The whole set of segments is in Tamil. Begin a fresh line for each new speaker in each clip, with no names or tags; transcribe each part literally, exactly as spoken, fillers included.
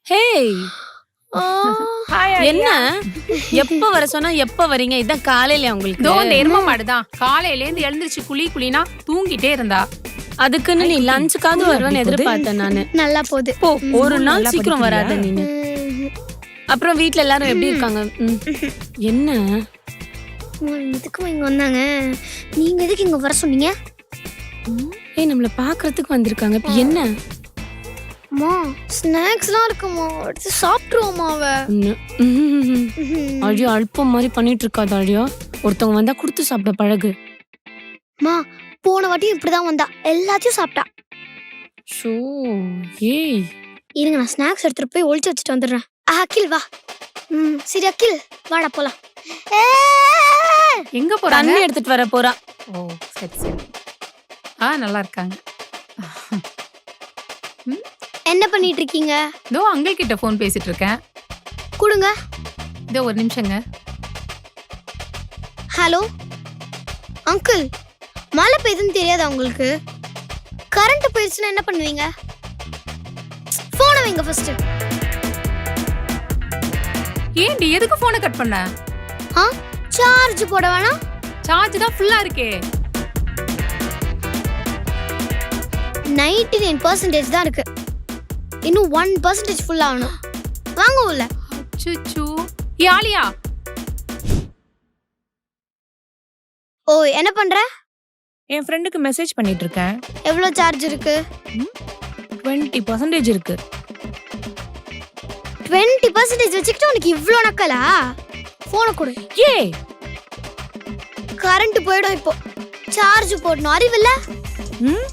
ஹேய்
ஹாய்
என்ன எப்ப வர சொன்னா எப்ப வரீங்க? இதான் காலையில உங்களுக்கு
இதோ இந்த எரும மாடுதான் காலையில இருந்து எழுந்திருச்சு குளி குளினா தூங்கிட்டே இருந்தா.
அதுக்குன்னு நீ லஞ்சுக்காவது வருவேன்னு எதிர்பார்த்தேன் நானு.
நல்லா போகுது.
போ ஒரு நாள் சீக்கிரம் வராத நீனு. அப்புறம் வீட்ல எல்லாரும் எப்படி இருக்காங்க? ம். என்ன
எதுக்கு இங்க வந்தாங்க? நீங்க எதுக்கு இங்க வர சொன்னீங்க?
ஏய் நம்மள பாக்குறதுக்கு வந்திருக்காங்க. இப்ப என்ன?
அம்மா ஸ்நாக்ஸ்லாம் இருக்குமா, எடுத்து சாப்பிட்டுருவோமா அவ?
அழியோ அல்பம் மாதிரி பண்ணிட்டு இருக்காது அழியோ. ஒருத்தவங்க வந்தா கொடுத்து சாப்பிட பழகு.
அம்மா போன வாட்டி இப்படிதான் வந்தா, எல்லாத்தையும் சாப்பிட்டா.
ஷோ ஏய்
இருங்க நான் ஸ்நாக்ஸ் எடுத்துட்டு போய் ஒளிச்சு வச்சுட்டு வந்துடுறேன். அகில் வா. ம் சரி அகில் வாடா போலாம்.
எங்க போறாங்க?
தண்ணி எடுத்துட்டு வர போறா.
ஓ சரி சரி. ஆ நல்லா இருக்காங்க.
என்ன பண்ணிட்டு இருக்கீங்க?
இதோ அங்கிள் கிட்ட ஃபோன் பேசிட்டு இருக்கேன்.
கொடுங்க.
இதோ ஒரு நிமிஷங்க.
ஹலோ அங்கிள், மழை பெய்யுதுன்னு தெரியாதா உங்களுக்கு? கரண்ட் போயிடுச்சுன்னா என்ன பண்ணுவீங்க? போனை வைங்க ஃபர்ஸ்ட்.
ஏன்டி எதுக்கு போனை கட் பண்ண?
ஆ சார்ஜ் போட வேணாம்?
சார்ஜ் தான் ஃபுல்லா இருக்கே.
தொண்ணூற்று ஒன்பது பர்சன்டேஜ் தான் இருக்கு. இன்னும் ஒன்று பர்சன்டேஜ் ஃபுல் ஆகணும். வாங்க உள்ள.
அச்சச்சோ. ஏ ஆலியா.
ஓ என்ன பண்ற?
என் ஃப்ரெண்டுக்கு மெசேஜ் பண்ணிட்டு இருக்கேன்.
எவ்வளவு சார்ஜ் இருக்கு?
இருபது பர்சன்டேஜ் இருக்கு.
இருபது பர்சன்டேஜ் வச்சுக்கிட்டு உனக்கு இவ்ளோ நக்கலா? போனை கொடு.
ஏய்
கரண்ட் போய்டும் இப்போ. சார்ஜ் போடணும், அறிவில்ல?
ம்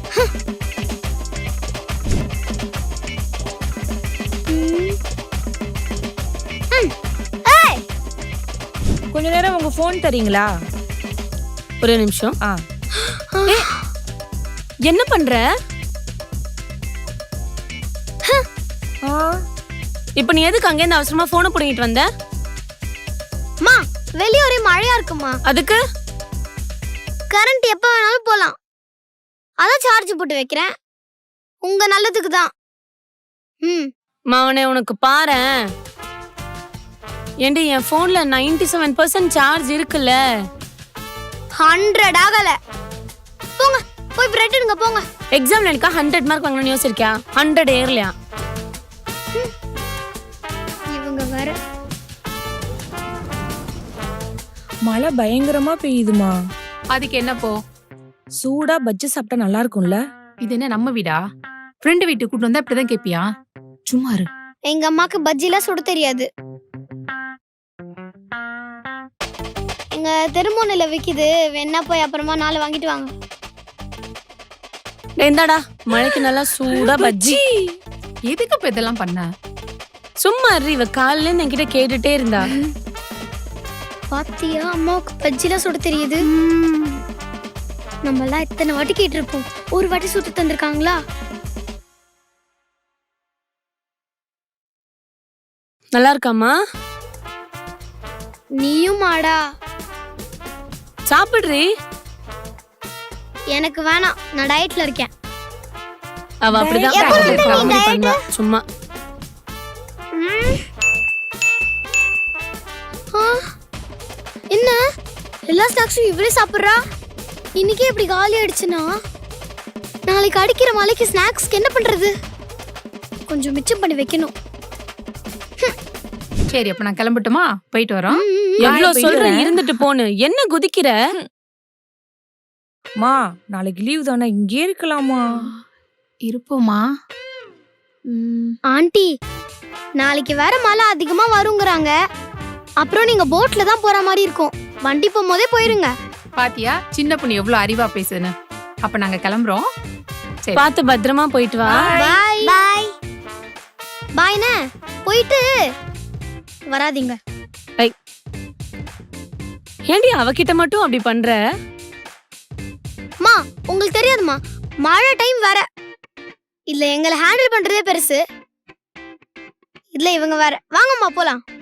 கொஞ்ச நேரம் உங்க ஃபோன் தரீங்களா?
ஒரு நிமிஷம்.
ஆ
என்ன பண்ற?
ஆ
இப்ப நீ எதுக்கு அங்க இருந்து அவசரமா போனை புடிங்கிட்டு வந்த?
மா வெளிய ஒரே மழையா இருக்குமா,
அதுக்கு
கரண்ட் எப்ப வேணாலும் போலாம். அதான் சார்ஜ் போட்டு வைக்கிறேன். உங்க நல்லதுக்கு தான். ம்
மாவனே உனக்கு பாரேன். ஏண்டி என் போன்ல தொண்ணூற்று ஏழு பர்சன்ட் சார்ஜ் இருக்குல்ல.
நூறு ஆகல. போங்க போய் பிரெட் எடுங்க போங்க.
எக்ஸாம்ல எனக்கு நூறு மார்க் வாங்கணும்னு யோசிச்சிருக்கியா? நூறு ஏறலையா?
இவங்க வேற.
மழை பயங்கரமா பெய்யுதுமா.
அதுக்கு என்ன போ?
சூடா பஜ்ஜி சாப்பிட்டா நல்லா இருக்கும்ல.
இது என்ன நம்ம வீடா? ஃப்ரெண்ட் வீட்டுக்கு கூட்டு வந்தா இப்படிதான் கேப்பியா? சும்மா இரு.
எங்க அம்மாக்கு பஜ்ஜிலாம் சுட தெரியாது. எங்க தெருமோனில விக்குது, வேணா போய் அப்புறமா நாலு வாங்கிட்டு வாங்க.
இந்தாடா மழைக்கு நல்லா சூடா பஜ்ஜி.
எதுக்கு இப்ப இதெல்லாம் பண்ண?
சும்மா இரு. இவ காலையில இருந்து என்கிட்ட கேட்டுட்டே இருந்தா.
பாத்தியா அம்மாவுக்கு பஜ்ஜிலாம் சுட தெரியுது. நம்ம எல்லாம் இத்தனை வாட்டி கேட்டிருப்போம், ஒரு வாட்டி சுட்டு தந்திருக்காங்களா?
நல்லா இருக்காமா?
நீயும் மாடா
சாப்பிடுறி.
எனக்கு வேணாம், நான் டயட்ல இருக்கேன்.
அவ அப்படிதான்
எப்ப
காமெடி
வந்து நீ
பண்ணுவா சும்மா.
ம். ஆ, என்ன எல்லா ஸ்நாக்ஸும் இவ்வளவு சாப்பிடுறா? இன்னைக்கே இப்படி காலி ஆயிடுச்சுன்னா நாளைக்கு அடிக்கிற மலைக்கு ஸ்நாக்ஸ்க்கு என்ன பண்றது? கொஞ்சம் மிச்சம் பண்ணி வைக்கணும்.
சரி அப்ப நான் கிளம்பட்டுமா? போயிட்டு வரோம்.
எவ்வளவு சொல்ற இருந்துட்டு போன்னு என்ன குதிக்கிற?
மா நாளைக்கு லீவ் தானே, இங்கே இருக்கலாமா?
இருப்போமா?
ஆண்டி நாளைக்கு வேற மழை அதிகமா வருங்கிறாங்க. அப்புறம் நீங்க போட்ல தான் போற மாதிரி இருக்கும். வண்டி போகும்போதே போயிருங்க.
பாத்தியா சின்ன பொண்ணு எவ்வளவு அறிவா பேசுதுன்னு. அப்ப நாங்க கிளம்புறோம். சரி
பாத்து பத்திரமா போயிட்டு வா.
பாய் பாய் பாய்னே, போயிட்டு வராதீங்க.
ஏண்டி அவகிட்ட மட்டும் அப்படி பண்ற?
மா உங்களுக்கு தெரியாதுமா, மழை டைம் வேற. இல்ல எங்களை ஹேண்டில் பண்றதே பெருசு. இல்ல இவங்க வேற. வாங்கம்மா போலாம்.